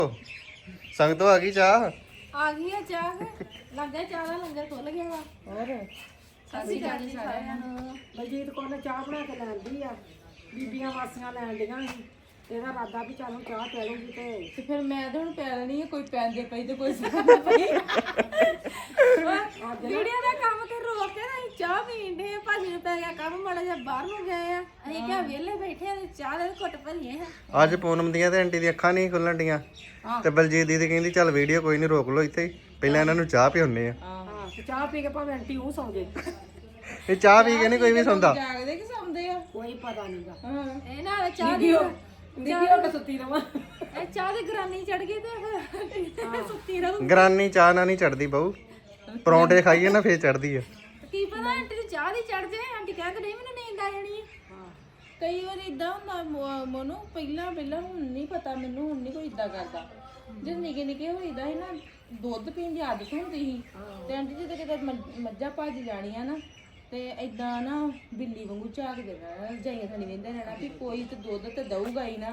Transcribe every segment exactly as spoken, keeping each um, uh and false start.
ਸੰਗਤੋਂ ਆ ਗਈ ਚਾਹ ਆ ਗਈ ਆ ਚਾਹ ਲੱਗਾ ਚਾਹ ਦਾ ਲੰਗਰ ਖੁੱਲ ਗਿਆ ਵਾ ਹੋਰ ਅਸੀਂ ਗਾੜੀ ਸਾਰਿਆਂ ਨੂੰ ਬਲਜੀਤ ਕੌਰ ਨੇ ਚਾਹ ਬਣਾ ਕੇ ਲੈਂਦੀ ਆ ਬੀਬੀਆਂ ਵਾਸੀਆਂ ਲੈਣ ਡੀਆਂ ਸੀ ਇਹਦਾ ਇਰਾਦਾ ਵੀ ਚੱਲ ਚਾਹ ਪੀ ਲੂੰਗੀ ਤੇ ਤੇ ਫਿਰ ਮੈਂ ਤਾਂ ਹੁਣ ਪੈ ਲੈਣੀ ਆ ਕੋਈ ਪੈਂਦੇ ਪਈ ਤੇ ਕੋਈ ਸਾਡਾ ਪਈ ਵੀਡੀਓ ਦਾ ਕੰਮ ਤੇ ਰੋਕ ਕੇ ਨਾ ਚਾਹ ਪੀਂਦੇ ਆ ਭਾਜੀ ਨੂੰ ਪੈ ਗਿਆ ਕੰਮ ਮਾੜਾ ਜਿਹਾ ਬਾਹਰ ਨੂੰ ਗਏ ਆ ਅਸੀਂ ਕਿਹਾ ਵਿਹਲੇ ਬੈਠੇ ਆ ਤੇ ਚਾਹ ਦੇ ਘੁੱਟ ਭਰੀਏ ਆ ਅੱਜ ਪੂਨਮ ਦੀਆਂ ਤੇ ਆਂਟੀ ਦੀਆਂ ਅੱਖਾਂ ਨਹੀਂ ਖੁੱਲਣ ਡੀਆਂ ਤੇ ਬਲਜੀਤ ਦੀਦੀ ਕਹਿੰਦੀ ਚੱਲ ਵੀਡੀਓ ਕੋਈ ਨਹੀਂ ਰੋਕ ਲਓ ਇੱਥੇ ਹੀ ਪਹਿਲਾਂ ਇਹਨਾਂ ਨੂੰ ਚਾਹ ਪਿਉਣੇ ਆ ਹਾਂ ਤੇ ਚਾਹ ਪੀ ਕੇ ਭਾਵੇਂ ਆਂਟੀ ਉਹ ਸੌਂ ਜੇ ਇਹ ਚਾਹ ਪੀ ਕੇ ਨਹੀਂ ਕੋਈ ਵੀ ਸੌਂਦਾ ਜਾਗਦੇ ਕਿ ਸੌਂਦੇ ਆ ਕੋਈ ਪਤਾ ਨਹੀਂਗਾ ਹਾਂ ਇਹ ਨਾਲ ਚਾਹ ਦੀ ਦੀਦੀ ਉਹ ਸੁੱਤੀ ਰਵਾਂ ਇਹ ਚਾਹ ਦੀ ਗਰਾਨੀ ਚੜ ਗਈ ਤੇ ਫਿਰ ਸੁੱਤੀ ਰਹੂ ਗਰਾਨੀ ਚਾਹ ਨਾਲ ਨਹੀਂ ਚੜਦੀ ਬਹੂ ਪਰੌਂਠੇ ਖਾਈਏ ਨਾ ਫੇਰ ਚੜਦੀ ਆ ਕੀ ਪਤਾ ਆਂਟੀ ਦੀ ਚਾਹ ਦੀ ਚੜ ਜਾਏ ਆਂਟੀ ਕਹਿੰਦੇ ਨਹੀਂ ਮੈਨੂੰ ਨੀਂਦ ਆ ਜਾਣੀ ਹਾਂ ਕਈ ਵਾਰ ਇਦਾਂ ਹੁੰਦਾ ਮੋਨੂੰ ਪਹਿਲਾਂ ਪਹਿਲਾਂ ਹੁਣ ਨਹੀਂ ਪਤਾ ਮੈਨੂੰ ਹੁਣ ਨਹੀਂ ਕੋਈ ਇਦਾਂ ਕਰਦਾ ਜਦ ਨਿੱਕੇ ਨਿੱਕੇ ਹੋਈਦਾ ਸੀ ਨਾ ਦੁੱਧ ਪੀਣ ਦੀ ਆਦਤ ਹੁੰਦੀ ਸੀ ਤੇ ਆਂਟੀ ਜੀ ਤੇ ਕਿਤੇ ਮੱਝਾਂ ਭੱਜ ਜਾਣੀਆਂ ਨਾ ਤੇ ਇਦਾਂ ਨਾ ਬਿੱਲੀ ਵਾਂਗੂ ਝਾਕਦੇ ਰਹਿਣਾ ਜਾਈਆਂ ਥਣੀ ਵੇਂਦੇ ਰਹਿਣਾ ਵੀ ਕੋਈ ਤੇ ਦੁੱਧ ਤੇ ਦਊਗਾ ਹੀ ਨਾ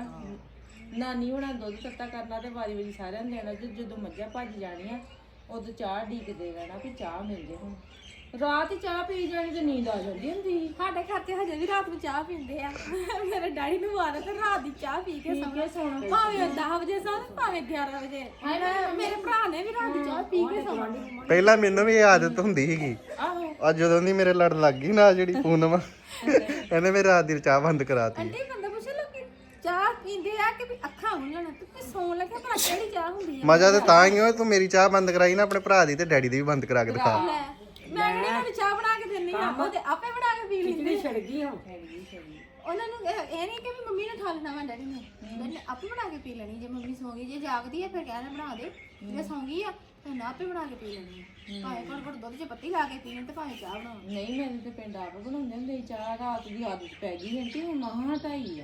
ਨਾਨੀ ਹੋਣਾ ਦੁੱਧ ਤੱਤਾ ਕਰਨਾ ਤੇ ਵਾਰੀ ਵਾਰੀ ਸਾਰਿਆਂ ਨੂੰ ਦੇਣਾ ਜਦੋਂ ਮੱਝਾਂ ਭੱਜ ਜਾਣੀਆਂ ਉਦੋਂ ਚਾਹ ਢੀਕਦੇ ਰਹਿਣਾ ਵੀ ਚਾਹ ਮਿਲ ਜੇ ਹੁਣ ਰਾਤ ਹੀ ਚਾਹ ਪੀ ਜਾਣੀ ਤੇ ਨੀਂਦ ਆ ਜਾਂਦੀ ਹੁੰਦੀ ਸਾਡੇ ਘਰ ਤੇ ਹਜੇ ਵੀ ਰਾਤ ਨੂੰ ਚਾਹ ਪੀਂਦੇ ਆ ਮੇਰੇ ਡੈਡੀ ਨੂੰ ਆਦਤ ਹੈ ਰਾਤ ਦੀ ਚਾਹ ਪੀ ਕੇ ਸੌਣਾ ਭਾਵੇਂ ਦਸ ਵਜੇ ਸੌਣ ਭਾਵੇਂ ਗਿਆਰਾਂ ਵਜੇ ਮੇਰੇ ਭਰਾ ਨੇ ਵੀ ਰਾਤ ਦੀ ਚਾਹ ਪੀ ਕੇ ਸੌਣਾ ਪਹਿਲਾਂ ਮੈਨੂੰ ਵੀ ਇਹ ਆਦਤ ਹੁੰਦੀ ਸੀਗੀ ਆਹੋ ਅੱਜ ਜਦੋਂ ਦੀ ਮੇਰੇ ਲੜ ਲੱਗ ਗਈ ਨਾ ਜਿਹੜੀ ਪੂਨਮ ਇਹਨੇ ਮੇਰੀ ਰਾਤ ਦੀ ਚਾਹ ਬੰਦ ਕਰਾਤੀ ਆਂਟੀ ਬੰਦਾ ਪੁੱਛ ਲੋਕੀ ਚਾਹ ਪੀਂਦੇ ਆ ਕਿ ਵੀ ਅੱਖਾਂ ਖੁੱਲਣ ਤੇ ਸੌਣ ਲੱਗੇ ਭਲਾ ਕਿਹੜੀ ਚਾਹ ਹੁੰਦੀ ਆ ਮਜ਼ਾ ਤੇ ਤਾਂ ਹੀ ਹੋਇਆ ਤੂੰ ਮੇਰੀ ਚਾਹ ਬੰਦ ਕਰਾਈ ਨਾ ਆਪਣੇ ਭਰਾ ਦੀ ਤੇ ਡੈਡੀ ਦੀ ਵੀ ਬੰਦ ਕਰਾ ਕੇ ਦਿਖਾ ਲੈ ਮੈਂ ਕਿਹੜੀ ਨੂੰ ਚਾਹ ਬਣਾ ਕੇ ਦਿੰਨੀ ਆ ਉਹ ਤੇ ਆਪੇ ਬਣਾ ਕੇ ਪੀ ਲੈਂਦੇ ਛੜ ਗਈ ਹੁਣ ਉਹਨਾਂ ਨੂੰ ਇਹ ਇਹ ਨਹੀਂ ਕਿ ਵੀ ਮੰਮੀ ਨੇ ਖਾ ਲੈਣਾ ਵਾ ਡੈਡੀ ਨੇ ਉਹਨੇ ਆਪੇ ਬਣਾ ਕੇ ਪੀ ਲੈਣੀ ਜੇ ਮੰਮੀ ਸੌਂ ਗਈ ਜੇ ਜਾਗਦੀ ਹੈ ਫਿਰ ਕਹਿਣਾ ਬਣਾ ਦੇ ਜੇ ਸੌਂ ਗਈ ਆ ਤਾਂ ਨਾ ਆਪੇ ਬਣਾ ਕੇ ਪੀ ਲੈਣੀ ਆ ਭਾਵੇਂ ਘੜ ਘੜ ਦੁੱਧ 'ਚ ਪੱਤੀ ਲਾ ਕੇ ਪੀਣ ਤੇ ਭਾਵੇਂ ਚਾਹ ਬਣਾਉਣ ਨਹੀਂ ਮੈਨੂੰ ਤੇ ਪਿੰਡ ਆਪ ਬਣਾਉਂਦੇ ਹੁੰਦੇ ਚਾਹ ਰਾਤ ਦੀ ਆਦਤ ਪੈ ਗਈ ਆਂਟੀ ਹੁਣ ਮਹਾਂ ਹਟਾਈ ਆ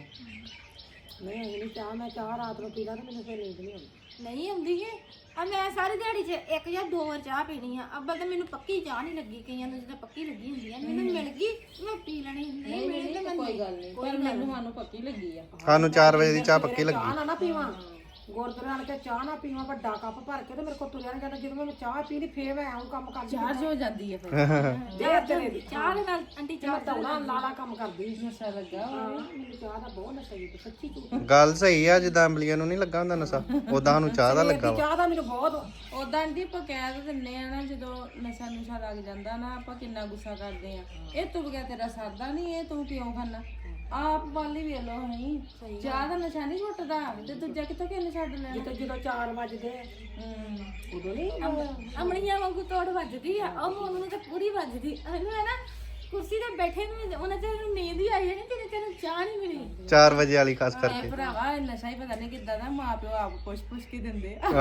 ਨਹੀਂ ਅਗਲੀ ਚਾਹ ਮੈਂ ਚਾਹ ਰਾਤ ਨੂੰ ਪੀ ਲਾਂ ਤੇ ਮੈਨੂੰ ਫਿਰ ਨੀਂਦ ਨਹੀਂ ਆਉਂਦੀ ਨਹੀਂ ਆਉਂਦੀ ਹੈ ਆ ਮੈਂ ਸਾਰੀ ਦਿਹਾੜੀ 'ਚ ਇੱਕ ਜਾਂ ਦੋ ਵਾਰ ਚਾਹ ਪੀਣੀ ਆ ਅੱਬਲ ਤਾਂ ਮੈਨੂੰ ਪੱਕੀ ਚਾਹ ਨਹੀਂ ਲੱਗੀ ਕਈਆਂ ਨੂੰ ਜਦੋਂ ਪੱਕੀ ਲੱਗੀ ਹੁੰਦੀ ਆ ਮੈਨੂੰ ਮਿਲ ਗਈ ਮੈਂ ਪੀ ਲੈਣੀ ਨਹੀਂ ਮਿਲੀ ਤੇ ਮੈਂ ਕੋਈ ਗੱਲ ਨਹੀਂ ਪਰ ਮੈਨੂੰ ਸਾਨੂੰ ਪੱਕੀ ਲੱਗੀ ਆ ਸਾਨੂੰ ਚਾਰ ਵਜੇ ਦੀ ਚਾਹ ਪੱਕੀ ਲੱਗੀ ਚਾਹ ਨਾ ਨਾ ਪੀਵਾਂ ਗੁਰਦੁਆਰੇ ਆਣ ਕੇ ਚਾਹ ਨਾ ਪੀਵਾਂ ਵੱਡਾ ਕੱਪ ਭਰ ਕੇ ਤੇ ਮੇਰੇ ਕੋਲ ਤੁਰਿਆ ਨਹੀਂ ਜਾਂਦਾ ਜਦੋਂ ਮੈਂ ਚਾਹ ਪੀ ਲਈ ਫੇਰ ਮੈਂ ਆਉਂ ਕੰਮ ਕਰਦੀ ਚਾਰਜ ਹੋ ਜਾਂਦੀ ਆ ਫਿਰ ਦੇ ਤੇਰੇ ਦੀ ਚਾਹ ਦੇ ਨਾਲ ਆਂਟੀ ਚਾਹ ਦੌੜਾ ਲਾਲਾ ਕੰਮ ਕਰਦੀ ਨਸ਼ਾ ਲੱਗਾ ਮੈਨੂੰ ਚਾਹ ਦਾ ਬਹੁਤ ਨਸ਼ਾ ਹੀ ਸੱਚੀ ਝੂਠ ਗੱਲ ਸਹੀ ਆ ਜਿੱਦਾਂ ਅੰਬਲੀਆਂ ਨੂੰ ਨਹੀਂ ਲੱਗਾ ਹੁੰਦਾ ਨਸ਼ਾ ਉਦਾਂ ਸਾਨੂੰ ਚਾਹ ਦਾ ਲੱਗਾ ਵਾ ਚਾਹ ਦਾ ਮੈਨੂੰ ਬਹੁਤ ਉਦਾਂ ਆਂਟੀ ਆਪਾਂ ਕਹਿ ਤਾਂ ਦਿੰਦੇ ਆ ਨਾ ਜਦੋਂ ਨਸ਼ਾ ਨੁਸ਼ਾ ਲੱਗ ਜਾਂਦਾ ਨਾ ਆਪਾਂ ਕਿੰਨਾ ਗੁੱਸਾ ਕਰਦੇ ਆ ਇਹ ਤੂੰ ਬਗੈਰ ਤੇਰਾ ਸਰਦਾ ਨਹੀਂ ਇਹ ਤੂੰ ਕਿਉਂ ਖਾਣਾ ਆਪ ਵਾਲੀ ਵੇਖ ਲੋ ਨਹੀਂ ਚਾਹ ਦਾ ਨਸ਼ਾ ਨਹੀਂ ਛੁੱਟਦਾ ਤੇ ਦੂਜਾ ਕਿੱਥੋਂ ਕਿੰਨੇ ਛੱਡ ਲੈਣਾ ਜਦੋਂ ਜਦੋਂ ਚਾਰ ਵੱਜਦੇ ਹੂੰ ਉਦੋਂ ਨਹੀਂ ਅਮਣੀਆਂ ਵਾਂਗੂ ਤੋੜ ਵੱਜਦੀ ਆ ਉਹ ਮੋਨੂੰ ਨੂੰ ਤਾਂ ਪੂਰੀ ਵੱਜਦੀ ਇਹਨੂੰ ਹੈ ਨਾ ਕੁਰਸੀ ਤੇ ਬੈਠੇ ਨੂੰ ਉਹਨਾਂ ਤੇ ਨੀਂਦ ਹੀ ਆਈ ਹੈ ਨਹੀਂ ਤੇ ਤੈਨੂੰ ਚਾਹ ਨਹੀਂ ਮਿਲੀ ਚਾਰ ਵਜੇ ਵਾਲੀ ਖਾਸ ਕਰਕੇ ਭਰਾਵਾ ਇਹ ਨਸ਼ਾ ਹੀ ਪਤਾ ਨਹੀਂ ਕਿੱਦਾਂ ਦਾ ਮਾਂ ਪਿਓ ਆਪ ਪੁੱਛ ਪੁੱਛ ਕੇ ਦਿੰਦੇ ਆ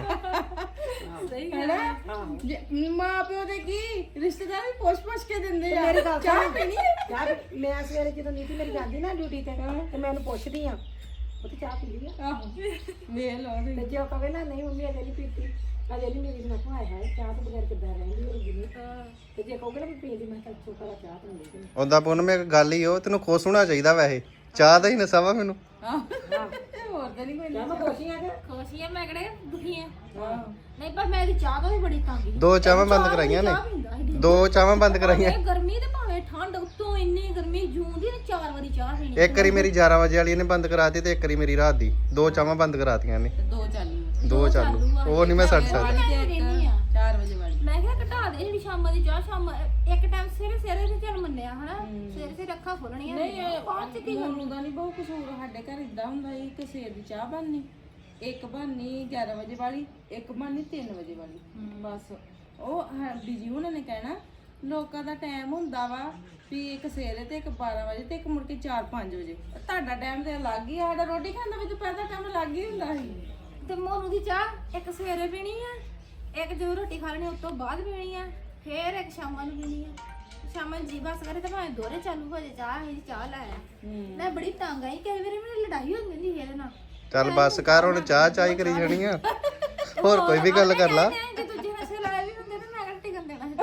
ਆਹਾ ਸਹੀ ਗੱਲ ਹੈ ਮਾਂ ਪਿਓ ਦੇ ਕੀ ਰਿਸ਼ਤੇਦਾਰ ਵੀ ਪੁੱਛ ਪੁੱਛ ਕੇ ਦਿੰਦੇ ਆ ਮੇਰੀ ਗੱਲ ਚਾਹ ਪੀਣੀ ਹੈ ਚਾਹ ਮੈਂ ਸਵੇਰੇ ਜਦੋਂ ਨੀਤੀ ਮੇਰੀ ਜਾਂਦੀ ਨਾ ਡਿਊਟੀ ਤੇ ਤੇ ਮੈਂ ਉਹਨੂੰ ਪੁੱਛਦੀ ਆ ਉਹ ਤੇ ਚਾਹ ਪੀ ਲਈ ਆ ਆਹੋ ਵੇਖ ਲਓ ਤੇ ਜੇ ਉਹ ਕਵੇ ਨਾ ਨਹੀਂ ਮੰਮੀ ਅਜੇ ਨਹੀਂ ਪੀਤੀ ਅਜੇ ਨਹੀਂ ਮੇਰੀ ਨਾ ਭਾਈ ਹੈ ਚਾਹ ਤੋਂ ਬਗੈਰ ਕਿੱਦਾਂ ਰਹਿੰਦੀ ਹੋਊਗੀ ਨਹੀਂ ਤੇ ਜੇ ਕਹੋਗੇ ਨਾ ਵੀ ਪੀ ਲਈ ਮੈਂ ਤਾਂ ਚੁੱਪ ਕਰਾ ਚਾਹ ਤੋਂ ਨਹੀਂ ਉਦਾਂ ਪੂਨਮ ਇੱਕ ਗੱਲ ਹੀ ਉਹ ਤੈਨੂੰ ਖੁਸ਼ ਹੋਣਾ ਚਾਹੀਦਾ ਵੈਸੇ ਚਾਹ ਦਾ ਹੀ ਨਸ਼ਾ ਵਾ ਮੈਨੂੰ ਹੋਰ ਤਾਂ ਨਹੀਂ ਕੋਈ ਮੈਂ ਖੁਸ਼ੀਆਂ ਕਿ ਖੁਸ਼ੀਆਂ ਮੈਂ ਕਿਹੜੇ ਦੁਖੀ ਆ ਨਹੀਂ ਪਰ ਮੈਂ ਇਹਦੀ ਚਾਹ ਤੋਂ ਵੀ ਬੜੀ ਤੰਗ ਸੀ ਦੋ ਚਾਹਾਂ ਬੰਦ ਕਰਾਈਆਂ ਨੇ ਦੋ ਚਾਹਾਂ ਬੰਦ ਕਰਾਈਆਂ ਗਰਮੀ ਤੇ ਭਾਵੇਂ ਠੰਡ ਉੱਤੋਂ ਇੰਨੀ ਗਰਮੀ ਜੂਨ ਦੀ ਨੇ ਚਾਰ ਵਾਰੀ ਚਾਹ ਪੀਣੀ ਇੱਕ ਵਾਰੀ ਮੇਰੀ ਗਿਆਰਾਂ ਵਜੇ ਵਾਲੀ ਨੇ ਬੰਦ ਕਰਾਤੀ ਤੇ ਇੱਕ ਵਾਰੀ ਮੇਰੀ ਰਾਤ ਦੀ ਦੋ ਚਾਹਾਂ ਬੰਦ ਕਰਾਤੀਆਂ ਨੇ ਦੋ ਚਾਲੂ ਦੋ ਚਾਲੂ ਉਹ ਨਹੀਂ ਮੈਂ ਛੱਡ ਸਕਦਾ ਚਾਰ ਵਜੇ ਵਾਲੀ ਮੈਂ ਕਿਹਾ ਘਟਾ ਦੇ ਜਿਹੜੀ ਸ਼ਾਮਾਂ ਦੀ ਚਾਹ ਸ਼ਾਮ ਇੱਕ ਟਾਈਮ ਸਵੇਰੇ ਸਵੇਰੇ ਤੇ ਚੱਲ ਮੰਨਿਆ ਹਨਾ ਸਵੇਰੇ ਸਵੇਰੇ ਅੱਖਾਂ ਖੋਲਣੀਆਂ ਨਹੀਂ ਬਾਅਦ ਚ ਕੀ ਹੋਣ ਦਾ ਨਹੀਂ ਬਹੁਤ ਕਸੂਰ ਸਾਡੇ ਘਰ ਇਦਾਂ ਹੁੰਦਾ ਸੀ ਕਿ ਸਵੇਰ ਦੀ ਚਾਹ ਬਣਨੀ ਇੱਕ ਬਣਨੀ ਗਿਆਰਾਂ ਵਜੇ ਵਾਲੀ ਇੱਕ ਬਣਨੀ ਤਿੰਨ ਵਜੇ ਵਾਲੀ ਬਸ ਉਹ ਬੀਜੀ ਉਹਨਾਂ ਨੇ ਕਹਿਣਾ ਲੋਕਾਂ ਦਾ ਟਾਈਮ ਹੁੰਦਾ ਵਾ ਵੀ ਇੱਕ ਸਵੇਰੇ ਤੇ ਇੱਕ ਬਾਰਾਂ ਵਜੇ ਤੇ ਇੱਕ ਮੁੜ ਕੇ ਚਾਰ ਪੰਜ ਵਜੇ ਤੁਹਾਡਾ ਟਾਈਮ ਤੇ ਅਲੱਗ ਹੀ ਸਾਡਾ ਰੋਟੀ ਖਾਣ ਦਾ ਵੀ ਦੁਪਹਿਰ ਦਾ ਟਾਈਮ ਅਲੱਗ ਹੀ ਹੁੰਦਾ ਸੀ ਤੇ ਮੋਨੂੰ ਦੀ ਚਾਹ ਇੱਕ ਸਵੇਰੇ ਪੀਣੀ ਆ ਇੱਕ ਜਦੋਂ ਰੋਟੀ ਖਾ ਲੈਣੀ ਉਸ ਤੋਂ ਬਾਅਦ ਪੀਣੀ ਆ ਫੇਰ ਇੱਕ ਸ਼ਾਮਾਂ ਨੂੰ ਪੀਣੀ ਆ ਸ਼ਾਮਾਂ ਜੀ ਬਸ ਕਰੇ ਤਾਂ ਭਾਵੇਂ ਦੋਰੇ ਚਾਲੂ ਹੋ ਜਾਏ ਚਾਹ ਇਹ ਚਾਹ ਲਾਇਆ ਮੈਂ ਬੜੀ ਤੰਗ ਆਈ ਕਈ ਵਾਰੀ ਮੈਨੂੰ ਲੜਾਈ ਹੋ ਜਾਂਦੀ ਸੀ ਇਹਦੇ ਨਾਲ ਚੱਲ ਬਸ ਕਰ ਹੁਣ ਚਾਹ ਚਾਹੀ ਕਰੀ ਜਾਣੀ ਆ ਹੋਰ ਕੋਈ ਵੀ ਗੱਲ ਕਰ ਲਾ ਜੇ ਦੂਜੇ ਨਸ਼ੇ ਲਾਏ ਵੀ ਹੁੰਦੇ ਤਾਂ ਮੈਂ ਘੱਟ ਟਿਕਣ ਦੇਣਾ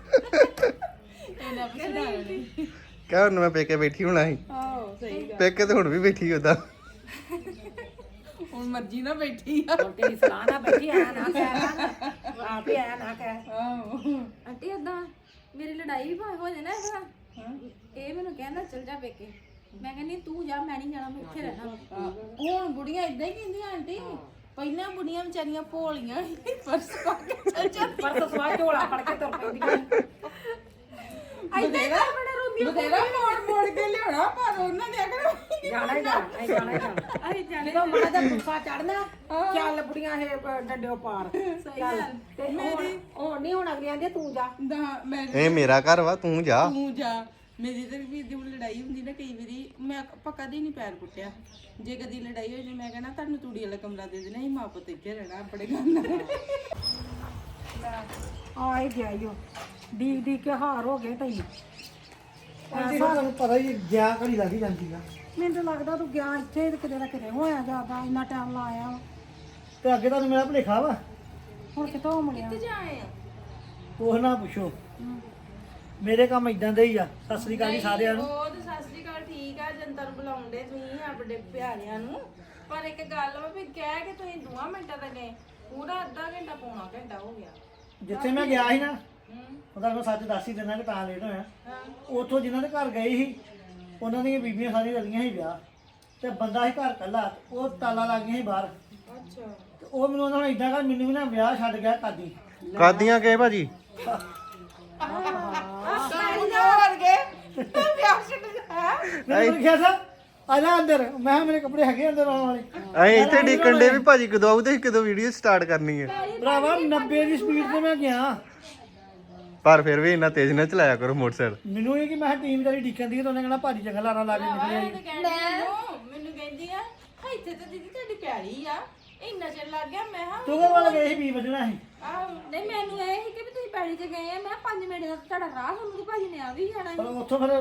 ਇਹਨਾਂ ਪਛਾਣ ਕਹਿ ਹੁਣ ਮੈਂ ਪੇਕੇ ਬੈਠੀ ਹੋਣਾ ਸੀ ਆਹੋ ਸਹੀ ਗੱਲ ਪੇਕੇ ਤੇ ਹੁਣ ਵੀ ਬੈਠੀ ਉਹਦਾ ਹੁਣ ਮਰਜ਼ੀ ਨਾਲ ਬੈਠੀ ਆ ਹੁਣ ਤੇਰੀ ਸਲਾਹ ਨਾਲ ਬੈਠੀ ਆ ਨਾ ਕਹਿ ਆਪ ਹੀ ਆ ਨਾ ਕਹਿ ਆਹੋ ਆਂਟੀ ਏਦਾਂ ਮੇਰੀ ਲੜਾਈ ਵੀ ਭਾਵੇਂ ਹੋ ਜਾਏ ਨਾ ਇਹਦੇ ਨਾਲ ਇਹ ਮੈਨੂੰ ਕਹਿੰਦਾ ਚਲ ਜਾ ਪੇਕੇ ਮੈਂ ਕਹਿੰਦੀ ਤੂੰ ਜਾ ਮੈਂ ਨਹੀਂ ਜਾਣਾ ਮੈਂ ਇੱਥੇ ਰਹਿਣਾ ਹੁਣ ਬੁੜੀਆਂ ਇਦਾਂ ਹੀ ਕਹਿੰਦੀਆਂ ਆਂਟੀ ਪਹਿਲਾਂ ਬੁੜੀਆਂ ਵਿਚਾਰੀਆਂ ਭੋਲੀਆਂ ਸੀ, ਪਰਸ ਪਾ ਕੇ ਚੱਲ ਜਾਂਦੀਆਂ ਪਰ ਸਵਾ ਝੋਲਾ ਫੜ ਕੇ ਤੁਰ ਪੈਂਦੀਆਂ ਬਥੇਰਾ ਬਥੇਰਾ ਮੋੜ ਮੋੜ ਕੇ ਲਿਆਉਣਾ ਪਰ ਉਹਨਾਂ ਨੇ ਆਖਣਾ ਜਾਣਾ ਹੀ ਜਾਣਾ ਅਸੀਂ ਜਾਣਾ ਹੀ ਜਾਣਾ ਅਸੀਂ ਜਾਣੇ ਜਦੋਂ ਮਾਂ ਦਾ ਗੁੱਸਾ ਚੜਨਾ ਚੱਲ ਬੁੜੀਆਂ ਇਹ ਡੰਡਿਓ ਪਾਰ ਚੱਲ ਤੇ ਹੁਣ ਹੁਣ ਨਹੀਂ ਹੁਣ ਅਗਲੀਆਂ ਦੀ ਤੂੰ ਜਾ ਦਾ ਮੈਂ ਇਹ ਮੇਰਾ ਘਰ ਵਾ ਤੂੰ ਜਾ ਤੂੰ ਜਾ ਮੇਰੀ ਤੇ ਵੀ ਦੀ ਲੜਾਈ ਹੁੰਦੀ ਨਾ ਕਈ ਵਾਰੀ ਮੈਂ ਆਪਾਂ ਕਦੀ ਨਹੀਂ ਪੈਰ ਪੁੱਟਿਆ ਜੇ ਕਦੀ ਲੜਾਈ ਹੋ ਜੇ ਮੈਂ ਕਹਿਣਾ ਤੁਹਾਨੂੰ ਤੂੜੀ ਵਾਲਾ ਕਮਰਾ ਦੇ ਦੇਣਾ ਸੀ ਮਾਂ ਪੁੱਤ ਇੱਥੇ ਰਹਿਣਾ ਆਪਣੇ ਘਰ ਨਾਲ ਆ ਹੀ ਗਿਆ ਈਓ ਡੀ ਡੀ ਕੇ ਹਾਰ ਹੋ ਗਏ ਤਈ ਆਂਟੀ ਨੂੰ ਤੁਹਾਨੂੰ ਪਤਾ ਹੀ ਗਿਆ ਘੜੀ ਲੱਗ ਹੀ ਜਾਂਦੀ ਆ ਮੈਨੂੰ ਤਾਂ ਲੱਗਦਾ ਤੂੰ ਗਿਆ ਇੱਥੇ ਤੇ ਕਿਤੇ ਨਾ ਕਿਤੇ ਹੋਇਆ ਜਾਂਦਾ ਇੰਨਾ ਟਾਈਮ ਲਾਇਆ ਵਾ। ਤੇ ਅੱਗੇ ਤੁਹਾਨੂੰ ਮੇਰਾ ਭੁਲੇਖਾ ਵਾ ਹੁਣ ਕਿਤੋਂ ਮੁੜਿਆ ਜਾਏ ਆ ਉਹ ਨਾ ਪੁੱਛੋ ਮੇਰੇ ਕੰਮ ਇਦਾਂ ਦੇ ਹੀ ਆ ਸਤਿ ਸ੍ਰੀ ਅਕਾਲ ਜੀ ਸਾਰਿਆਂ ਨੂੰ ਉਹ ਤੇ ਸਤਿ ਸ੍ਰੀ ਅਕਾਲ ਠੀਕ ਆ ਜਨਤਾ ਨੂੰ ਬੁਲਾਉਂਦੇ ਤੁਸੀਂ ਆਪਣੇ ਪਿਆਰਿਆਂ ਨੂੰ ਪਰ ਇੱਕ ਗੱਲ ਵਾ ਵੀ ਕਹਿ ਕੇ ਤੁਸੀਂ ਦੋ ਮਿੰਟਾਂ ਤੱਕ ਗਏ ਪੂਰਾ ਅੱਧਾ ਘੰਟਾ ਪੌਣਾ ਘੰਟਾ ਹੋ ਗਿਆ ਜਿੱਥੇ ਮੈਂ ਗਿਆ ਸੀ ਨਾ ਉਹਦਾ ਮੈਂ ਸੱਚ ਦੱਸ ਹੀ ਦਿੰਦਾ ਕਿ ਤਾਂ ਲੇਟ ਹੋਇਆ ਉੱਥੋਂ ਜਿਨ੍ਹਾਂ ਦੇ ਘਰ ਗਏ ਸੀ ਉਹਨਾਂ ਦੀਆਂ ਬੀਬੀਆਂ ਸਾਰੀਆਂ ਰਲੀਆਂ ਸੀ ਵਿਆਹ ਤੇ ਬੰਦਾ ਸੀ ਘਰ ਕੱਲਾ ਉਹ ਤਾਲਾ ਲੱਗ ਗਿਆ ਸੀ ਬਾਹਰ ਅੱਛਾ ਤੇ ਉਹ ਮੈਨੂੰ ਉਹਨਾਂ ਨੇ ਇਦਾਂ ਕਰ ਮੈਨੂੰ ਵੀ ਨਾ ਵਿਆਹ ਛੱਡ ਗਿਆ ਕਾਦੀ ਕਾਦੀਆਂ ਕੇ ਭਾਜੀ ਮੈਨੂੰ ਕਿਹਾ ਸਾ ਆ ਜਾ ਅੰਦਰ ਮੈਂ ਕਿਹਾ ਮੇਰੇ ਕੱਪੜੇ ਹੈਗੇ ਅੰਦਰ ਆਉਣ ਵਾਲੇ ਅਸੀਂ ਇੱਥੇ ਡਿੱਕਣ ਦੇ ਵੀ ਭਾਜੀ ਕਦੋਂ ਆਉਦੇ ਕਦੋਂ ਵੀਡੀਓ ਸਟਾਰਟ ਕਰਨੀ ਹੈ ਭਰਾਵਾ ਨੱਬੇ ਦੀ ਸਪੀਡ ਤੇ ਮੈਂ ਗਿਆ ਪਰ ਫਿਰ ਵੀ ਇੰਨਾ ਤੇਜ਼ ਨਾ ਚਲਾਇਆ ਕਰੋ ਮੋਟਰਸਾਈਕਲ ਮੈਨੂੰ ਇਹ ਕਿ ਮੈਂ ਟੀਮ ਤੇਰੀ ਡੀਕਨ ਦੀ ਤੇ ਉਹਨੇ ਕਹਿਣਾ ਭਾਜੀ ਚੰਗਾ ਲਾਰਾ ਲਾ ਕੇ ਨਿਕਲਿਆ ਜੀ। ਮੈਨੂੰ ਮੈਨੂੰ ਕਹਿੰਦੀ ਆ ਇੱਥੇ ਤਾਂ ਦੀਦੀ ਤੁਹਾਡੀ ਪਿਆਰੀ ਆ ਇੰਨਾ ਚਿਰ ਲੱਗ ਗਿਆ ਮੈਂ ਹਾਂ ਤੂੰ ਕੋਲ ਗਏ ਸੀ ਵੀ ਵਜਣਾ ਸੀ ਆਹੋ ਨਹੀਂ ਮੈਨੂੰ ਇਹ ਸੀ ਕਿ ਵੀ ਤੁਸੀਂ ਪੈੜੀ ਤੇ ਗਏ ਆ ਮੈਂ ਪੰਜ ਮਿੰਟ ਦਾ ਤੁਹਾਡਾ ਰਾਹ ਤੁਹਾਨੂੰ ਤੇ ਭਾਜੀ ਨੇ ਆ ਵੀ ਜਾਣਾ ਪਰ ਉੱਥੋਂ ਫਿਰ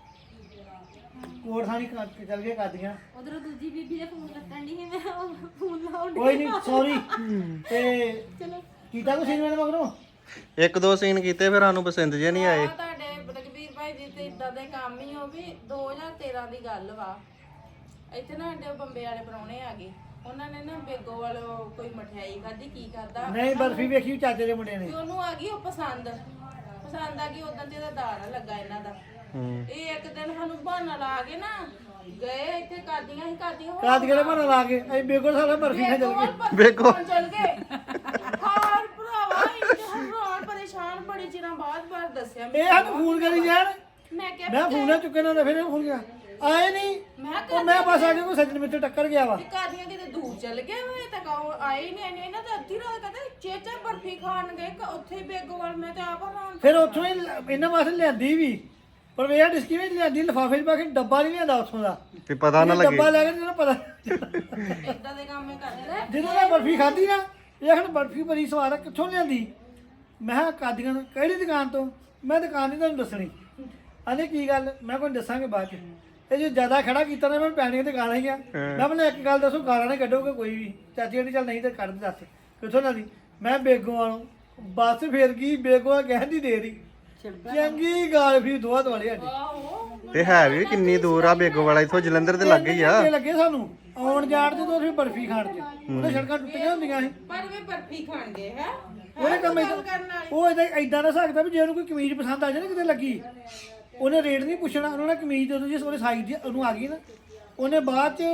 ਕੋਟ ਥਾਣੀ ਕੇ ਚੱਲ ਗਏ ਕਾਦੀਆਂ ਉਧਰੋਂ ਦੂਜੀ ਬੀਬੀ ਦੇ ਫੋਨ ਕੱਟਣ ਦੀ ਸੀ ਮੈਂ ਫੋਨ ਲਾਉਣ ਕੋਈ ਨਹੀਂ ਸੌਰੀ ਤੇ ਚਲੋ ਕੀਤਾ ਕੁਛ ਨਹੀਂ ਮੇਰੇ ਮਗਰੋਂ ਇੱਕ ਦੋ ਸੀਨ ਕੀਤੇ ਫਿਰ ਸਾਨੂੰ ਪਸੰਦ ਜੇ ਨਹੀਂ ਆਏ ਆ ਤੁਹਾਡੇ ਰਘਬੀਰ ਭਾਈ ਜੀ ਤੇ ਇਦਾਂ ਦੇ ਕੰਮ ਹੀ ਉਹ ਵੀ ਦੋ ਹਜ਼ਾਰ ਤੇਰਾਂ ਦੀ ਗੱਲ ਵਾ ਇੱਥੇ ਨਾ ਸਾਡੇ ਬੰਬੇ ਵਾਲੇ ਪ੍ਰਾਹੁਣੇ ਆ ਗਏ ਉਹਨਾਂ ਨੇ ਨਾ ਬੇਗੋ ਵਾਲੋ ਕੋਈ ਮਠਿਆਈ ਖਾਧੀ ਕੀ ਕਰਦਾ ਨਹੀਂ ਬਰਫੀ ਵੇਖੀ ਚਾਚੇ ਦੇ ਮੁੰਡੇ ਨੇ ਤੇ ਉਹਨੂੰ ਆ ਗਈ ਉਹ ਪਸੰਦ ਪਸੰਦ ਆ ਗਈ ਉਦੋਂ ਤੇ ਇਹਦਾ ਦਾਣਾ ਲੱਗਾ ਇਹਨਾਂ ਦਾ ਇਹ ਇੱਕ ਦਿਨ ਸਾਨੂੰ ਬਹਾਨਾ ਲਾ ਕੇ ਨਾ ਗਏ ਇੱਥੇ ਕਾਦੀਆਂ ਹੀ ਕਾਦੀਆਂ ਹੋ ਕਾਦ ਕਿਹੜੇ ਬਣਾ ਲਾ ਕੇ ਅਸੀਂ ਬੇਗੋਲ ਸਾਰਾ ਬਰਫੀ ਖਾ ਚੱਲ ਗਏ ਵੇਖੋ। ਚੱਲ ਗਏ ਹਾਰ ਭਰਾਵਾ ਇੰਨੇ ਹੈਰਾਨ ਪਰੇਸ਼ਾਨ ਬੜੇ ਚਿਰਾਂ ਬਾਅਦ ਬਾਅਦ ਦੱਸਿਆ ਇਹ ਸਾਨੂੰ ਫੋਨ ਕਰੀ ਜਾਣ ਮੈਂ ਕਿਹਾ ਮੈਂ ਫੋਨ ਨਾ ਚੁੱਕੇ ਨਾ ਤਾਂ ਫਿਰ ਇਹ ਫੋਨ ਗਿਆ ਆਏ ਨਹੀਂ ਮੈਂ ਉਹ ਮੈਂ ਬਸ ਆ ਕੇ ਕੋਈ ਸੱਜਣ ਮਿੱਤਰ ਟੱਕਰ ਗਿਆ ਵਾ ਕਾਦੀਆਂ ਕਿਤੇ ਦੂਰ ਚੱਲ ਗਏ ਹੋਏ ਤਾਂ ਕਹੋ ਆਏ ਨਹੀਂ ਆਏ ਇਹਨਾਂ ਤਾਂ ਅੱਧੀ ਰਾਤ ਕਹਿੰਦੇ ਚੇਚਾ ਬਰਫੀ ਖਾਣ ਗਏ ਕ- ਉੱਥੇ ਹੀ ਬੇਗੋਵਾਲ ਮੈਂ ਤੇ ਆਪ ਹੈਰਾਨ ਫਿਰ ਉੱਥੋਂ ਹੀ ਲ- ਇਹਨਾਂ ਵਾਸਤੇ ਲਿਆਂਦੀ ਵੀ ਪਰ ਵੇ ਡਿਸਕੀ ਵਿੱਚ ਲਿਆਂਦੀ ਲਿਫਾਫੇ 'ਚ ਪਾ ਕੇ ਡੱਬਾ ਨਹੀਂ ਲਿਆਂਦਾ ਉੱਥੋਂ ਦਾ ਵੀ ਪਤਾ ਨਾ ਲੱਗੇ ਡੱਬਾ ਲੈ ਕੇ ਤੈਨੂੰ ਪਤਾ ਇਦਾਂ ਦੇ ਕੰਮ ਹੀ ਕਰਦੇ ਨੇ ਜਦੋਂ ਮੈਂ ਬਰਫੀ ਖਾਧੀ ਨਾ ਇਹ ਹੁਣ ਬਰਫੀ ਬੜੀ ਸਵਾਦ ਆ ਕਿੱਥੋਂ ਲਿਆਂਦੀ ਮੈਂ ਕਿਹਾ ਕਾਦੀਆਂ ਤੋਂ ਕਿਹੜੀ ਦੁਕਾਨ ਤੋਂ ਮੈਂ ਦੁਕਾਨ ਨਹੀਂ ਤੁਹਾਨੂੰ ਦੱਸਣੀ ਆਂਦੇ ਕੀ ਗੱਲ ਮੈਂ ਕੋਈ ਦੱਸਾਂਗੇ ਬਾਅਦ ਚ ਇਹ ਜੇ ਜ਼ਿਆਦਾ ਖੜਾ ਕੀਤਾ ਨਾ ਮੈਂ ਪੈਣੀਆਂ ਤੇ ਗਾਲਾਂ ਹੀ ਆ ਮੈਂ ਬਲੇ ਇੱਕ ਗੱਲ ਦੱਸੋ ਗਾਲਾਂ ਨਾ ਕੱਢੋਗੇ ਕੋਈ ਵੀ ਚਾਚੀ ਕਹਿੰਦੀ ਚੱਲ ਨਹੀਂ ਤੇ ਕੱਢ ਦੇ ਦੱਸ ਕਿੱਥੋਂ ਨਾ ਦੀ ਮੈਂ ਬੇਗੋਂ ਵਾਲੋਂ ਬੱਸ ਫੇਰ ਗਈ ਬੇਗੋਂ ਕਹਿੰਦੀ ਦੇ ਰਹੀ ਚੰਗੀ ਗੱਲ ਫਿਰ ਦੋਆ ਦੁਆਲੇ ਸਾਡੀ ਤੇ ਹੈ ਵੀ ਕਿੰਨੀ ਦੂਰ ਆ ਬੇਗੋ ਵਾਲਾ ਇਥੋਂ ਜਲੰਧਰ ਦੇ ਲੱਗੇ ਹੀ ਆ ਘੰਟੇ ਲੱਗੇ ਸਾਨੂੰ ਆਉਣ ਜਾਣ ਤੇ ਤੋਂ ਫਿਰ ਬਰਫੀ ਖਾਣ ਚ ਉਹਦੇ ਸੜਕਾਂ ਟੁੱਟੀਆਂ ਹੁੰਦੀਆਂ ਸੀ ਪਰ ਵੀ ਬਰਫੀ ਖਾਣ ਗਏ ਹੈ ਉਹਨੇ ਕੰਮ ਗੱਲ ਕਰਨ ਵਾਲੀ ਉਹ ਇਦਾਂ ਇਦਾਂ ਦਾ ਸਕਦਾ ਵੀ ਜੇ ਉਹਨੂੰ ਕੋਈ ਕਮੀਜ਼ ਪਸੰਦ ਆ ਜਾਏ ਨਾ ਕਿਤੇ ਲੱਗੀ ਉਹਨੇ ਰੇਟ ਨਹੀਂ ਪੁੱਛਣਾ ਉਹਨਾਂ ਨੇ ਕਮੀਜ਼ ਦੇ ਦੋ ਜਿਸ ਉਹਦੇ ਸਾਈਜ਼ ਦੀ ਉਹਨੂੰ ਆ ਗਈ ਨਾ ਉਹਨੇ ਬਾਅਦ ਚ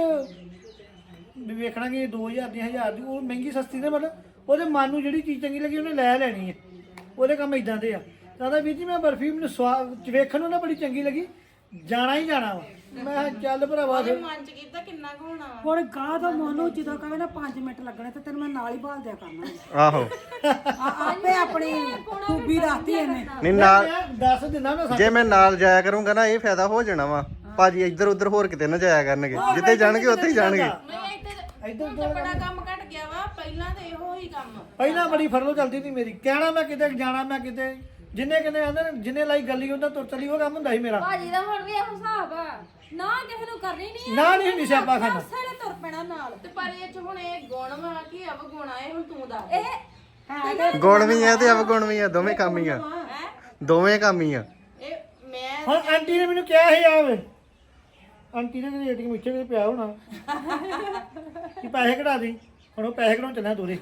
ਵੀ ਵੇਖਣਾ ਕਿ ਦੋ ਹਜ਼ਾਰ ਦੀ ਹਜ਼ਾਰ ਦੀ ਉਹ ਮਹਿੰਗੀ ਸਸਤੀ ਨੇ ਮਤਲਬ ਉਹਦੇ ਮਨ ਨੂੰ ਜਿਹੜੀ ਚੀਜ਼ ਚੰਗੀ ਲੱਗੀ ਉਹਨੇ ਲੈ ਲੈਣੀ ਹੈ ਉਹਦੇ ਕੰਮ ਇਦਾਂ ਦੇ ਆ ਕਹਿੰਦਾ ਵੀਰ ਜੀ ਮੈਂ ਬਰਫੀ ਮੈਨੂੰ ਸਵਾਦ ਵੇਖਣ ਨੂੰ ਨਾ ਬੜੀ ਚੰਗੀ ਲੱਗੀ ਜਾਣਾ ਹੀ ਜਾਣਾ ਵਾ ਮੈਂ ਕਿਹਾ ਚੱਲ ਭਰਾਵਾ ਫਿਰ ਮਨ ਚ ਕੀਤਾ ਕਿੰਨਾ ਕੁ ਹੋਣਾ ਵਾ। ਹੁਣ ਗਾਹ ਤੋਂ ਮੋਨੂੰ ਜਦੋਂ ਕਹੇ ਨਾ ਪੰਜ ਮਿੰਟ ਲੱਗਣੇ ਤੇ ਤੈਨੂੰ ਮੈਂ ਨਾਲ ਹੀ ਭਾਲ ਦਿਆ ਕਰਨਾ ਆਹੋ ਆ- ਆਪੇ ਆਪਣੀ ਖੂਬੀ ਦੱਸਦੀ ਇਹਨੇ ਨਹੀਂ ਨਾਲ ਮੈਂ ਦੱਸ ਦਿੰਦਾ ਨਾ ਜੇ ਮੈਂ ਨਾਲ ਜਾਇਆ ਕਰੂੰਗਾ ਨਾ ਇਹ ਫਾਇਦਾ ਹੋ ਜਾਣਾ ਵਾ ਭਾਜੀ ਇੱਧਰ ਉੱਧਰ ਹੋਰ ਕਿਤੇ ਨਾ ਜਾਇਆ ਕਰਨਗੇ ਜਿੱਥੇ ਜਾਣਗੇ ਉੱਥੇ ਹੀ ਜਾਣਗੇ ਨਹੀਂ ਇੱਥੇ ਇੱਧਰ ਹੁਣ ਤਾਂ ਬੜਾ ਕੰਮ ਘਟ ਗਿਆ ਵਾ ਪਹਿਲਾਂ ਤੇ ਇਹੋ ਹੀ ਕੰਮ ਪਹਿਲਾਂ ਬੜੀ ਫਰਲੋ ਚੱਲਦੀ ਸੀ ਮੇਰੀ ਕਹਿਣਾ ਮੈਂ ਕਿਤੇ ਜਾਣਾ ਮੈਂ ਕਿਤੇ ਜਿੰਨੇ ਕਿਤੇ ਆਂਦੇ ਨੇ ਜਿੰਨੇ ਲਾਈ ਗੱਲੀ ਉਹਨਾਂ ਤੁਰ ਚਲੀ ਉਹ ਕੰਮ ਹੁੰਦਾ ਸੀ ਮੇਰਾ ਭਾਜੀ ਦਾ ਹੁਣ ਵੀ ਇਹੋ ਹਿਸਾਬ ਆ ਨਾ ਕਿਸੇ ਨੂੰ ਕਰਨੀ ਨਹੀਂ ਨਾ ਨਹੀਂ ਹੁੰਦੀ ਸਿਆਪਾ ਖਾਨਾ ਸਾਰੇ ਤੁਰ ਪੈਣਾ ਨਾਲ ਤੇ ਪਰ ਇਹ ਚ ਹੁਣ ਇਹ ਗੁਣ ਵਾ ਕਿ ਅਵਗੁਣ ਆ ਇਹ ਹੁਣ ਤੂੰ ਦੱਸ ਇਹ ਗੁਣ ਵੀ ਆ ਤੇ ਅਵਗੁਣ ਵੀ ਆ ਦੋਵੇਂ ਕੰਮ ਹੀ ਆ ਦੋਵੇਂ ਕੰਮ ਹੀ ਆ ਇਹ ਮੈਂ ਹੁਣ ਆਂਟੀ ਨੇ ਮੈਨੂੰ ਕਿਹਾ ਸੀ ਆਵੇ ਆਂਟੀ ਨੇ ਕਿਤੇ ਏਟੀਐਮ ਇੱਥੇ ਕਿਤੇ ਪਿਆ ਹੋਣਾ ਕਿ ਪੈਸੇ ਕਢਾ ਦੇ ਹੁਣ ਉਹ ਪੈਸੇ ਕਢਾਉਣ ਚੱਲਿਆ ਦੋਰੇ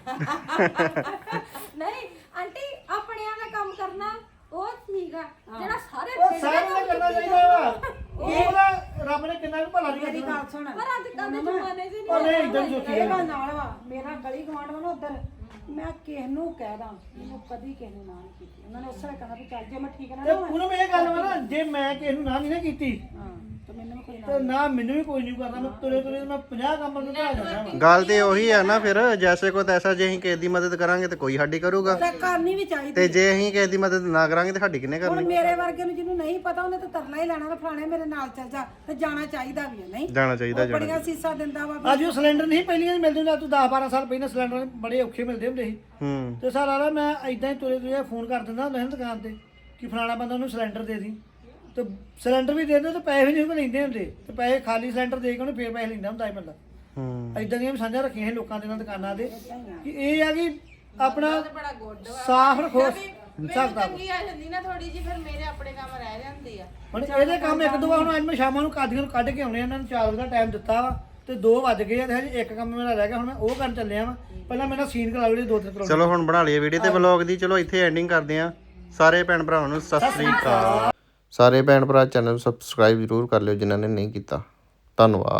ਨਹੀਂ ਆਂਟੀ ਆਪਣਿਆਂ ਦਾ ਕੰਮ ਕਰਨਾ ਉਹ ਠੀਕ ਆ ਜਿਹੜਾ ਸਾਰੇ ਉਹ ਸਾਰਿਆਂ ਦਾ ਕਰਨਾ ਚਾਹੀਦਾ ਵਾ ਉਹ ਉਹਦਾ ਰੱਬ ਨੇ ਕਿੰਨਾ ਕੁ ਭਲਾ ਨਹੀਂ ਮੇਰੀ ਕਰਨਾ ਗੱਲ ਸੁਣ ਪਰ ਅੱਜ ਕੱਲ੍ਹ ਦੇ ਜ਼ਮਾਨੇ 'ਚ ਨਹੀਂ ਉਹ ਨਹੀਂ ਇਦਾਂ ਸੋਚੀ ਇਹ ਗੱਲ ਨਾਲ ਵਾ ਮੇਰਾ ਗਲੀ ਗਵਾਂਢ ਵਾ ਨਾ ਉਧਰ ਮੈਂ ਕਿਸ ਨੂੰ ਕਹਿ ਦਾਂ ਮੈਨੂੰ ਕਦੀ ਕਿਸੇ ਨੂੰ ਨਾ ਨਹੀਂ ਕੀਤੀ ਉਹਨਾਂ ਨੇ ਉਸੇ ਵੇਲੇ ਕਹਿਣਾ ਵੀ ਚੱਲ ਜੇ ਮੈਂ ਠੀਕ ਨਾ ਤੇ ਨਾ ਹੋਵਾਂ, ਉਹਨੂੰ ਇਹ ਗੱਲ ਵਾ ਨਾ ਜੇ ਮੈਂ ਕਿਸੇ ਨੂੰ ਨਾ ਨਹੀਂ ਨਾ ਕੀਤੀ ਹਾਂ ਤੇ ਮੈਨੂੰ ਵੀ ਕੋਈ ਨਾ ਤੇ ਨਾ ਮੈਨੂੰ ਵੀ ਕੋਈ ਨਹੀਂ ਕਰਨਾ ਮੈਂ ਤੁਰੇ ਤੁਰੇ ਮੈਂ ਪੰਜਾਹ ਕੰਮ ਨੂੰ ਕਰਾ ਦਿੰਦਾ ਵਾ ਗੱਲ ਤੇ ਉਹੀ ਆ ਨਾ ਫਿਰ ਜੈਸੇ ਕੋ ਤੈਸਾ ਜੇ ਅਸੀਂ ਕਿਸੇ ਦੀ ਮਦਦ ਕਰਾਂਗੇ ਤੇ ਕੋਈ ਸਾਡੀ ਕਰੂਗਾ ਤੇ ਕਰਨੀ ਵੀ ਚਾਹੀਦੀ ਤੇ ਜੇ ਅਸੀਂ ਕਿਸੇ ਦੀ ਮਦਦ ਨਾ ਕਰਾਂਗੇ ਤੇ ਸਾਡੀ ਕਿਹਨੇ ਹੁਣ ਕਰਨੀ ਮੇਰੇ ਵਰਗੇ ਨੂੰ ਜਿਹਨੂੰ ਨਹੀਂ ਪਤਾ ਉਹਨੇ ਤਾਂ ਤਰਲਾ ਹੀ ਲੈਣਾ ਤੇ ਫਲਾਣੇ ਮੇਰੇ ਨਾਲ ਚੱਲ ਜਾ ਤੇ ਜਾਣਾ ਚਾਹੀਦਾ ਵੀ ਹੈ ਨਹੀਂ ਜਾਣਾ ਚਾਹੀਦਾ ਉਹ ਜਾਣਾ ਬੜੀਆਂ ਸੀਸਾਂ ਦਿੰਦਾ ਵਾ ਅੱਜ ਉਹ ਸਿਲੰਡਰ ਨਹੀਂ ਪਹਿਲੀਆਂ ਹੀ ਮਿਲਦੇ ਹੁੰਦੇ ਤੂੰ ਦਸ ਬਾਰਾਂ ਸਾਲ ਪਹਿਲਾਂ ਸਿਲੰਡਰ ਬੜੇ ਔਖੇ ਮਿਲਦੇ ਹੁੰਦੇ ਸੀ ਹੂੰ ਤੇ ਸਾਰਾ ਰਾ ਮੈਂ ਇਦਾਂ ਹੀ ਤੁਰੇ ਤੁਰੇ ਫੋਨ ਕਰ ਦਿੰਦਾ ਹੁੰਦਾ ਸੀ ਦੁਕਾਨ ਤੇ ਕਿ ਫਲਾਣਾ ਬੰਦਾ ਉਹਨੂੰ ਸਿਲੰਡਰ ਦੇ ਦੀ ਤੇ ਸਿਲੰਡਰ ਵੀ ਦੇ ਦਿੰਦੇ ਤੇ ਪੈਸੇ ਵੀ ਨਹੀਂ ਉਹ ਲੈਂਦੇ ਹੁੰਦੇ ਤੇ ਪੈਸੇ ਖਾਲੀ ਸਿਲੰਡਰ ਦੇ ਕੇ ਉਹਨੇ ਫੇਰ ਪੈਸੇ ਲੈਂਦਾ ਹੁੰਦਾ ਸੀ ਬੰਦਾ ਹੂੰ ਇਦਾਂ ਦੀਆਂ ਵੀ ਸਾਂਝਾਂ ਰੱਖੀਆਂ ਸੀ ਲੋਕਾਂ ਦੇ ਨਾਲ ਦੁਕਾਨਾਂ ਦੇ ਕਿ ਇਹ ਆ ਕਿ ਆਪਣਾ ਬੜਾ ਗੁੱਡ ਵਾ ਸਾਫ਼ ਰੱਖੋ ਮੈਨੂੰ ਸਕਦਾ ਤੰਗੀ ਆ ਜਾਂਦੀ ਨਾ ਥੋੜੀ ਜੀ ਫਿਰ ਮੇਰੇ ਆਪਣੇ ਕੰਮ ਰਹਿ ਜਾਂਦੇ ਆ ਹੁਣ ਇਹਦੇ ਕੰਮ ਇੱਕ ਦੋ ਵਾਰ ਹੁਣ ਅੱਜ ਮੈਂ ਸ਼ਾਮਾਂ ਨੂੰ ਕਾਦੀਆਂ ਨੂੰ ਕੱਢ ਕੇ ਆਉਣੇ ਆ, ਇਹਨਾਂ ਨੂੰ ਚਾਰ ਵਜੇ ਦਾ ਟਾਈਮ ਦਿੱਤਾ ਵਾ ਤੇ ਦੋ ਵੱਜ ਗਏ ਆ ਤੇ ਹਜੇ ਇੱਕ ਕੰਮ ਮੇਰਾ ਰਹਿ ਗਿਆ ਹੁਣ ਮੈਂ ਉਹ ਕਰਨ ਚੱਲਿਆ ਵਾ ਪਹਿਲਾਂ ਮੇਰਾ ਸੀਨ ਕਰਾ ਲਓ ਦੋ ਤਿੰਨ ਕਰੋ ਚਲੋ ਹੁਣ ਬਣਾ ਲਈਏ ਵੀਡੀਓ ਤੇ ਵਲੌਗ ਦੀ ਚਲੋ ਇੱਥੇ ਐਂਡਿੰਗ ਕਰਦੇ ਆ ਸਾਰੇ ਭੈਣ ਭਰਾਵਾਂ ਨੂੰ ਸਤਿ ਸ੍ਰੀ ਅਕਾਲ ਸਾਰੇ ਭੈਣ ਭਰਾ ਚੈਨਲ ਨੂੰ ਸਬਸਕ੍ਰਾਈਬ ਜ਼ਰੂਰ ਕਰ ਲਿਓ ਜਿਨ੍ਹਾਂ ਨੇ ਨਹੀਂ ਕੀਤਾ ਧੰਨਵਾਦ।